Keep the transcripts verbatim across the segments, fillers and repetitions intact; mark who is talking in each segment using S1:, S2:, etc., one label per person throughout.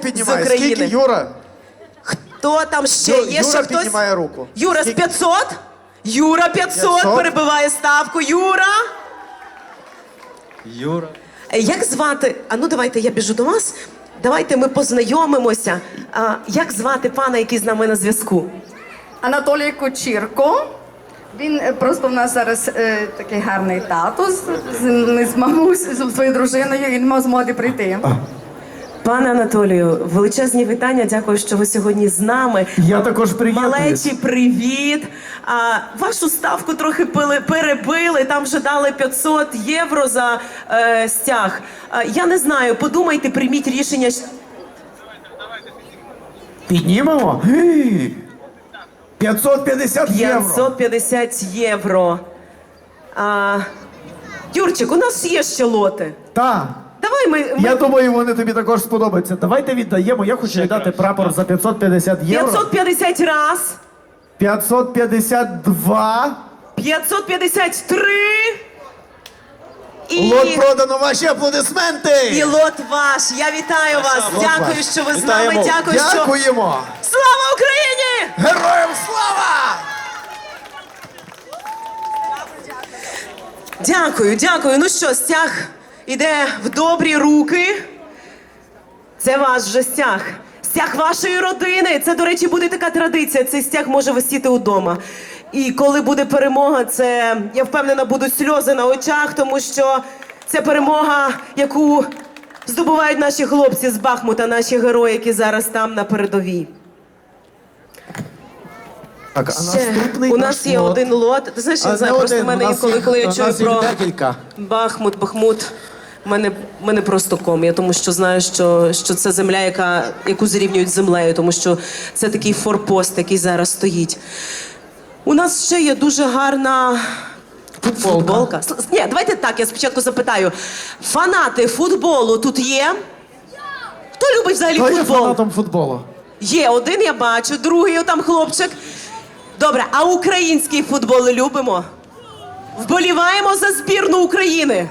S1: піднімає?
S2: з України.
S1: Скільки, Юра?
S2: Хто там ще?
S1: Ю-
S2: Є
S1: Юра
S2: ще хтось?
S1: піднімає руку.
S2: Юра з
S1: Скільки?
S2: п'ятсот? Юра п'ятсот
S1: п'ятсот?
S2: перебиває ставку. Юра!
S3: Юра.
S2: Е, Як звати? А ну давайте я біжу до вас. Давайте ми познайомимося. А, як звати пана, який з нами на зв'язку?
S4: Анатолій Кочірко. Він е, просто в нас зараз е, такий гарний тато з, з, ми з мамусею, з своєю дружиною, і не мав змоги прийти.
S2: Пане Анатолію, величезні вітання. Дякую, що ви сьогодні з нами.
S5: Я також приєднуюсь.
S2: Малечі, привіт. А, вашу ставку трохи пили, перебили. Там вже дали п'ятсот євро за е, стяг. А, я не знаю, подумайте, прийміть рішення.
S5: Піднімемо? Гей! п'ятсот п'ятдесят євро.
S2: п'ятсот п'ятдесят євро. А, Юрчик, у нас є ще лоти.
S5: Так.
S2: Давай ми, ми...
S5: Я думаю, вони тобі також сподобаються. Давайте віддаємо. Я хочу віддати прапор за п'ятсот п'ятдесят євро.
S2: п'ятсот п'ятдесят раз,
S5: п'ятсот п'ятдесят два.
S2: п'ятсот п'ятдесят три. І...
S1: Лот продано, ваші аплодисменти!
S2: І лот ваш. Я вітаю вас.
S1: Лот
S2: Дякую,
S1: ваш.
S2: що ви з
S1: Вітаємо.
S2: нами. Дякую, що...
S1: Дякуємо!
S2: Слава Україні!
S1: Героям слава!
S2: Дякую, дякую. Ну що, стяг іде в добрі руки. Це ваш вже стяг. Стяг вашої родини. Це, до речі, буде така традиція. Цей стяг може висіти удома. І коли буде перемога, це, я впевнена, будуть сльози на очах, тому що це перемога, яку здобувають наші хлопці з Бахмута, наші герої, які зараз там на передовій.
S5: Так, а
S2: Ще.
S5: наступний
S2: У
S5: наш
S2: нас є
S5: лот.
S2: один лот. Ти знаєш, я
S1: А
S2: не знаю,
S1: не
S2: просто в
S1: один,
S2: мене
S1: у нас
S2: інколи,
S1: їх-
S2: коли я
S1: у
S2: чую
S1: нас їх
S2: про
S1: декілька.
S2: Бахмут, Бахмут, в мене, в мене просто ком. Я тому що знаю, що, що це земля, яка, яку зрівнюють з землею, тому що це такий форпост, який зараз стоїть. У нас ще є дуже гарна футболка. С- Ні, давайте так, я спочатку запитаю. Фанати футболу тут є? Хто любить взагалі
S5: Хто є
S2: футбол?
S5: фанатом футболу?
S2: Є один, я бачу, другий там хлопчик. Добре, а український футбол любимо? Вболіваємо за збірну України.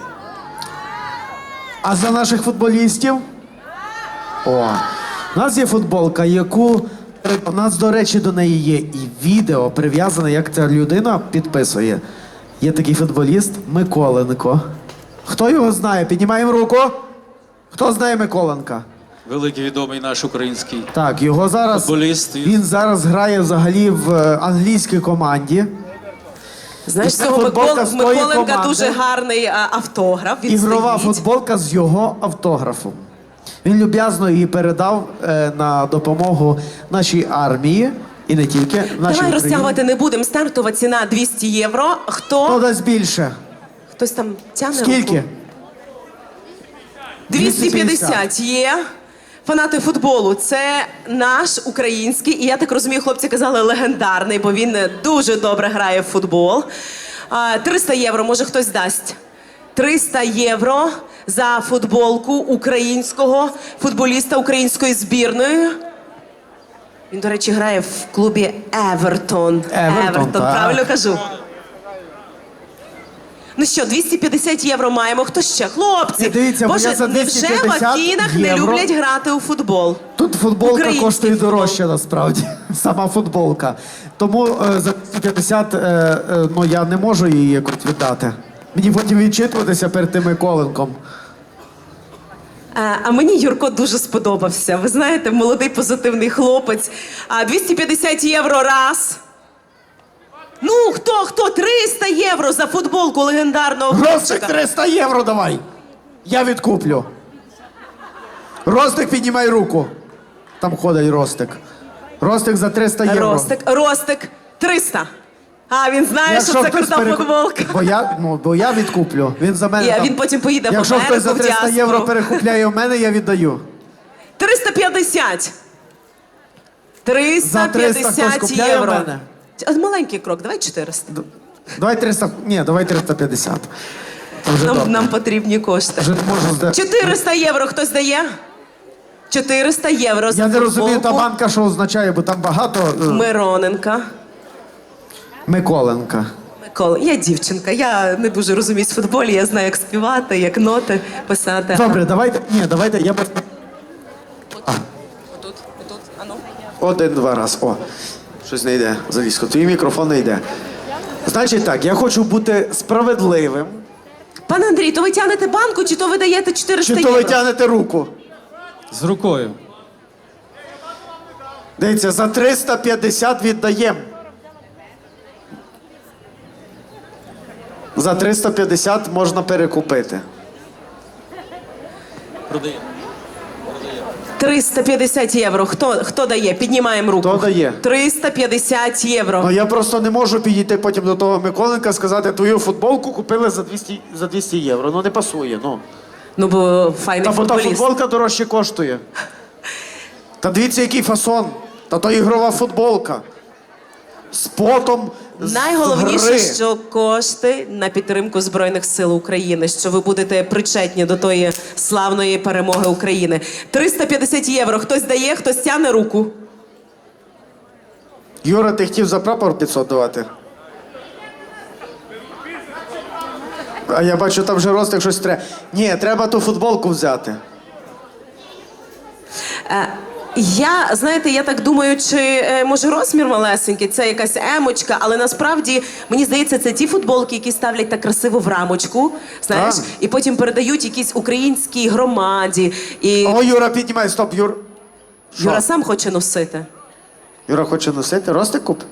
S5: А за наших футболістів? О, у нас є футболка, яку у нас, до речі, до неї є і відео прив'язане, як ця людина підписує. Є такий футболіст Миколенко. Хто його знає? Піднімаємо руку. Хто знає Миколенка?
S3: Великий відомий наш український.
S5: Так, його зараз
S3: Футболіст.
S5: він зараз грає взагалі в е, англійській команді.
S2: Знаєш,
S5: І це
S2: цього
S5: футболка
S2: Микол...
S5: з тої
S2: Миколенка
S5: команди.
S2: дуже гарний а, автограф. Він
S5: Ігрова
S2: стоїть.
S5: футболка з його автографом. Він люб'язно її передав е, на допомогу нашій армії і не тільки нашій
S2: Давай
S5: Україні.
S2: розтягувати не будемо. Стартова ціна двісті євро. Хто?
S5: Хто дасть більше?
S2: Хтось там тягне
S5: Скільки?
S2: руку? двісті п'ятдесят є. Фанати футболу, це наш український, і я так розумію, хлопці казали легендарний, бо він дуже добре грає в футбол. А, триста євро, може хтось дасть. триста євро за футболку українського футболіста української збірної. Він, до речі, грає в клубі Евертон.
S5: Евертон, так.
S2: правильно кажу? Ну що, двісті п'ятдесят євро маємо. Хто ще? Хлопці!
S5: Ні, дивіться, бо
S2: Боже,
S5: я за
S2: невже в
S5: 250
S2: Афінах не
S5: євро
S2: люблять грати у футбол?
S5: Тут футболка
S2: Український
S5: коштує
S2: футбол.
S5: дорожче насправді. Сама футболка. Тому е, за двісті п'ятдесят е, е, ну, я не можу її якось віддати. Мені потім відчитуватися перед тим Миколенком.
S2: Е, А мені Юрко дуже сподобався. Ви знаєте, молодий позитивний хлопець. А двісті п'ятдесят євро раз. Ну, хто, хто? триста євро за футболку легендарного
S5: Ростик
S2: хлопчика.
S5: триста євро давай. Я відкуплю. Ростик, піднімай руку. Там ходить Ростик. Ростик за триста євро.
S2: Ростик, Ростик, триста. А, він знає,
S5: Якщо
S2: що це
S5: хтось
S2: крута
S5: перек-
S2: футболка.
S5: Бо я, ну, бо я відкуплю. Він за мене
S2: І, а
S5: там...
S2: він потім поїде в
S5: Якщо
S2: Америку,
S5: хтось за
S2: в
S5: триста
S2: діаспору.
S5: євро перекупляє в мене, я віддаю.
S2: триста п'ятдесят.
S5: За
S2: триста
S5: триста хтось
S2: п'ятдесят
S5: купляє в
S2: євро.
S5: мене?
S2: А, маленький крок, давай чотириста.
S5: Давай триста... Ні, давай триста п'ятдесят. Це вже
S2: Нам,
S5: добре.
S2: нам потрібні кошти.
S5: Вже можу зда...
S2: чотириста євро хтось дає? чотириста євро за
S5: Я не розумію, та
S2: футболку
S5: банка що означає, бо там багато... е,
S2: Мироненка.
S5: Миколенка.
S2: Микола, я дівчинка, я не дуже розуміюсь в футболі, я знаю, як співати, як ноти писати.
S5: Добре, давайте... Ні, давайте, я... б- А,
S2: Отут, отут, ану.
S5: Один-два раз. О, щось не йде. Залізко, твій мікрофон не йде. Значить так, я хочу бути справедливим.
S2: Пане Андрій, то ви тягнете банку, чи то ви даєте чотириста
S5: Чи
S2: євро?
S5: то ви тягнете руку?
S3: З рукою.
S5: Дивіться, за триста п'ятдесят віддаємо. За триста п'ятдесят можна перекупити.
S3: Продаємо.
S2: триста п'ятдесят євро. Хто, хто дає? Піднімаємо руку.
S5: Хто дає?
S2: триста п'ятдесят євро.
S5: Ну я просто не можу підійти потім до того Миколенка і сказати, твою футболку купили за двісті, за двісті євро. Ну не пасує, ну.
S2: Ну, бо файний
S5: Та бо та
S2: футболіст.
S5: футболка дорожче коштує. Та дивіться, який фасон. Та то ігрова футболка. З потом, з
S2: Найголовніше,
S5: гри.
S2: що кошти на підтримку Збройних сил України, що ви будете причетні до тої славної перемоги України. триста п'ятдесят євро. Хтось дає, хтось тягне руку.
S5: Юра, ти хотів за прапор п'ятсот давати? А я бачу, там вже Ростик щось треба. Ні, треба ту футболку взяти.
S2: Е, Я, знаєте, я так думаю, чи е, може розмір малесенький, це якась емочка, але насправді, мені здається, це ті футболки, які ставлять так красиво в рамочку, знаєш,
S5: А.
S2: і потім передають якійсь українській громаді. І
S5: О, Юра, піднімай, стоп, Юр. Що?
S2: Юра сам хоче носити.
S5: Юра хоче носити? Ростик куп?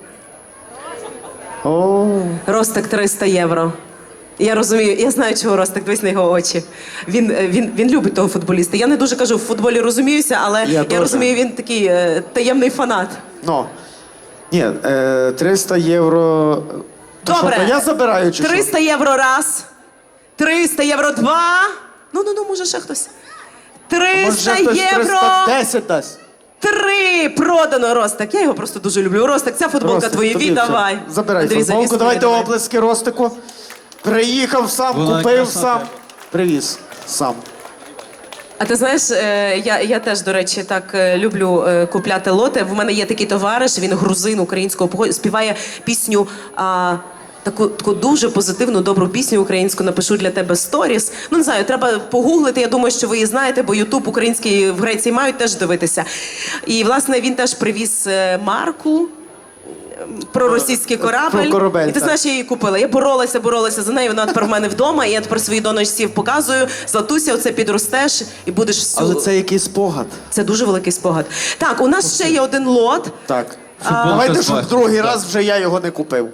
S5: О,
S2: Ростик триста євро. Я розумію, я знаю, чого Ростик, дивись на його очі. Він, е, він, він любить того футболіста. Я не дуже кажу, в футболі розуміюся, але
S5: Я
S2: я,
S5: теж.
S2: розумію, він такий е, таємний фанат.
S5: ну. Ні, е, триста євро. То
S2: Добре.
S5: Що, то я забираю чи що?
S2: триста євро раз. триста євро два. Ну, ну, ну, може ще хтось.
S5: Може,
S2: триста
S5: хтось
S2: євро.
S5: триста десять дасть.
S2: Три продано, Ростик. Я його просто дуже люблю. Ростик, ця футболка
S5: Ростик,
S2: твоя,
S5: тобі
S2: віддавай.
S5: це. Забирай
S2: Андрій,
S5: футболку,
S2: завіс
S5: давайте
S2: мені, давай.
S5: оплески Ростику. Приїхав сам,
S3: Вона
S5: купив
S3: красота.
S5: сам, привіз сам.
S2: А ти знаєш, е, я, я теж, до речі, так е, люблю е, купляти лоти. В мене є такий товариш, він грузин українського походу, співає пісню. А, Таку, таку дуже позитивну, добру пісню українську напишу для тебе сторіс. Ну, не знаю, треба погуглити. Я думаю, що ви її знаєте, бо Ютуб український в Греції мають теж дивитися. І, власне, він теж привіз е, марку е, про російський корабль.
S5: Про корабель,
S2: І ти
S5: так.
S2: знаєш, я її купила. Я боролася, боролася за нею. Вона тепер в мене вдома. І я тепер своїй донечці показую. Златуся, оце підростеш і будеш всю...
S5: Але це якийсь спогад.
S2: Це дуже великий спогад. Так, у нас ще є один лот.
S5: Так.
S3: Футболка
S5: Давайте,
S3: з
S5: щоб
S3: бахтом.
S5: другий раз вже я його не купив.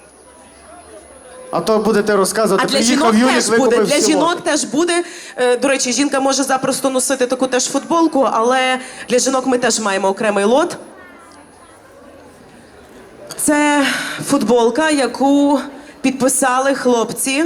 S5: А то будете розказувати,
S2: А для
S5: приїхав
S2: жінок
S5: Юлік,
S2: теж буде.
S5: викупив
S2: Для
S5: всі
S2: жінок
S5: лоти.
S2: теж буде. Е, До речі, жінка може запросто носити таку теж футболку, але для жінок ми теж маємо окремий лот. Це футболка, яку підписали хлопці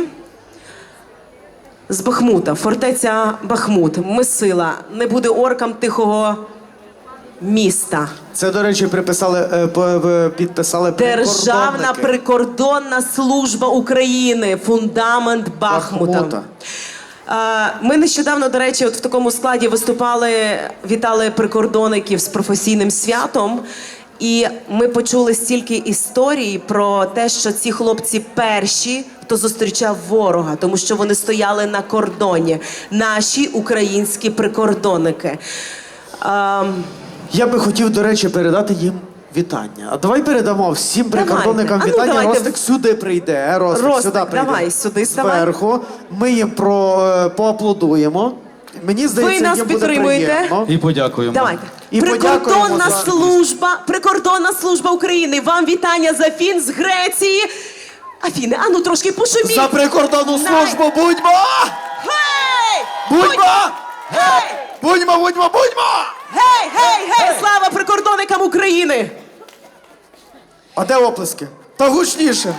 S2: з Бахмута. Фортеця Бахмут. Ми сила. Не буде оркам тихого міста.
S5: Це, до речі, приписали, е, по- е, підписали
S2: Державна
S5: прикордонники.
S2: прикордонна служба України. Фундамент Бахмута.
S5: Бахмута.
S2: А, Ми нещодавно, до речі, от в такому складі виступали, вітали прикордонників з професійним святом. І ми почули стільки історій про те, що ці хлопці перші, хто зустрічав ворога, тому що вони стояли на кордоні. Наші українські прикордонники. А,
S5: Я би хотів, до речі, передати їм вітання. А давай передамо всім
S2: Давайте.
S5: прикордонникам
S2: А ну,
S5: вітання.
S2: давайте.
S5: Ростик сюди прийде. Ростик,
S2: Ростик,
S5: сюди прийде.
S2: давай сюди ставай.
S5: Зверху. Ми їм про, е, поаплодуємо. Мені здається,
S2: Ви нас
S5: їм буде
S2: підтримуєте?
S5: приємно.
S3: І подякуємо.
S2: Давайте.
S5: І
S2: Прикордонна
S5: подякуємо за-
S2: служба, прикордонна служба України. Вам вітання з Афін, з Греції. Афіни, а ну трошки пошуміть.
S5: За прикордонну
S2: Най-
S5: службу будьмо!
S2: Гей!
S5: Будьмо!
S2: Гей!
S5: Будьмо, будьмо, будьмо!
S2: Гей, гей, гей! Слава прикордонникам України!
S5: А де оплески? Та гучніше.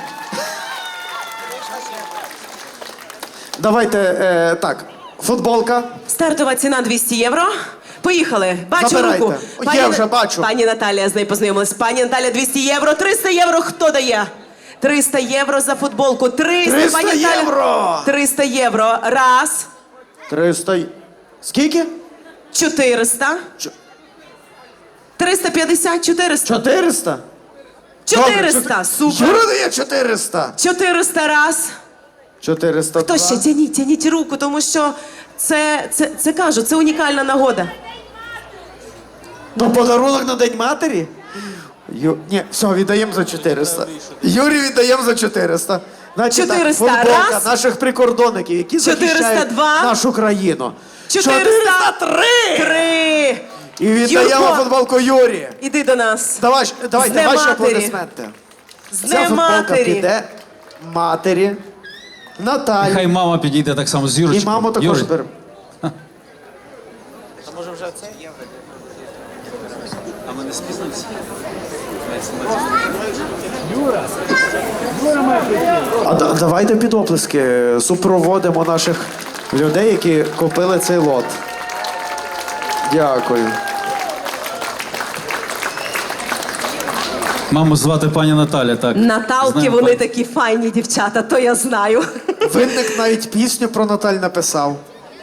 S5: Давайте, е, так, футболка.
S2: Стартова ціна двісті євро. Поїхали. Бачу
S5: Забирайте.
S2: руку.
S5: Є
S2: На-
S5: вже, бачу.
S2: Пані Наталія, з нею познайомилась. Пані Наталя, двісті євро. триста євро хто дає? триста євро за футболку. триста,
S5: триста
S2: пані Наталя.
S5: євро!
S2: триста євро. Раз.
S5: триста. й- Скільки?
S2: чотириста.
S5: Чо-
S2: триста п'ятдесят, чотириста.
S5: чотириста?
S2: чотириста,
S5: Добре,
S2: супер.
S5: Юра дає чотириста.
S2: чотириста раз.
S5: чотириста.
S2: Хто ще? Тяніть, тяніть руку, тому що це, це, це кажу, це унікальна нагода.
S5: То подарунок на День матері? Ю... Ні, все, віддаємо за чотириста. Юрій віддаємо за чотириста. Значить, так,
S2: чотириста
S5: футболка
S2: раз.
S5: наших прикордонників, які
S2: чотириста
S5: захищають
S2: два.
S5: нашу країну.
S2: чотириста
S5: три!
S2: Три!
S5: І віддаємо
S2: Юрко,
S5: футболку Юрі.
S2: іди до нас.
S5: Давай, ж- давайте
S2: Днем
S5: ваші
S2: матері.
S5: аплодисменти.
S2: З
S5: Ця
S2: Днем
S5: футболка
S2: матері.
S5: піде матері, Наталі.
S3: Хай мама підійде так само з
S5: І
S3: Юрочкою.
S5: маму також
S3: Юрій,
S5: беремо. А да- давайте під оплески супроводимо наших людей, які купили цей лот. Дякую.
S3: Маму звати пані Наталя, так.
S2: Наталки,
S3: Знаємо,
S2: вони
S3: пані.
S2: такі файні дівчата, то я знаю.
S5: Винник навіть пісню про Наталь написав.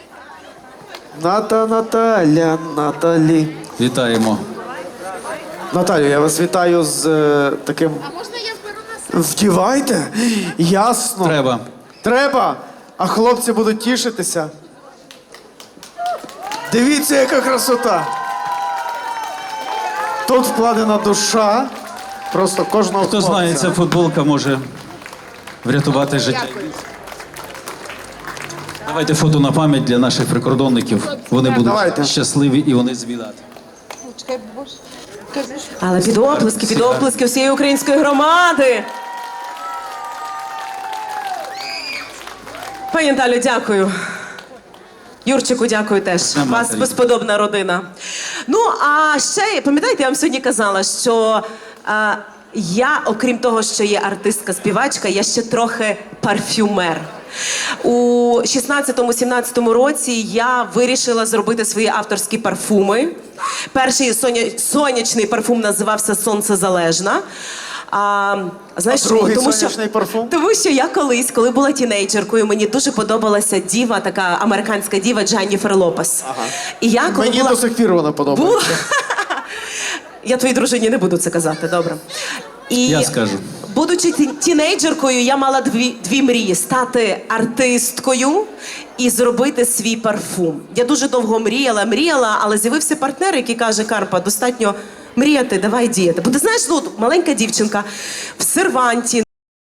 S5: Ната Наталя, Наталі.
S3: Вітаємо.
S5: Наталю, я вас вітаю з е, таким.
S6: А можна я зберу на себе?
S5: Вдівайте? Ясно.
S3: Треба.
S5: Треба. А хлопці будуть тішитися. Дивіться, яка красота. Тут вкладена душа. Просто кожного
S3: Хто
S5: хлопця.
S3: знає, ця футболка може врятувати життя. Давайте фото на пам'ять для наших прикордонників. Вони будуть
S5: Давайте.
S3: щасливі і вони звідати.
S6: Чекай, боже. Кажи, що
S2: Але під оплески, під оплески всієї української громади. Пані Наталю, дякую. Юрчику, дякую теж. У
S3: Нема
S2: вас
S3: тарі.
S2: безподобна родина. Ну, а ще, пам'ятаєте, я вам сьогодні казала, що а, я, окрім того, що є артистка-співачка, я ще трохи парфюмер. У шістнадцятому-сімнадцятому році я вирішила зробити свої авторські парфуми. Перший соня... сонячний парфум називався «Сонцезалежна». А, знаєш,
S5: А другий
S2: тому,
S5: сонячний
S2: що,
S5: парфум?
S2: Тому що я колись, коли була тінейджеркою, мені дуже подобалася діва, така американська діва Дженніфер Лопес. Ага. І я, коли
S5: Мені
S2: була...
S5: до сих пір вона
S2: була...
S5: подобається.
S2: Я твоїй дружині не буду це казати, добре. І
S3: Я скажу.
S2: будучи ті- тінейджеркою, я мала дві, дві мрії: стати артисткою і зробити свій парфум. Я дуже довго мріяла, мріяла, але з'явився партнер, який каже: Карпа, достатньо мріяти, давай діяти. Бо ти знаєш, ну, от маленька дівчинка в серванті.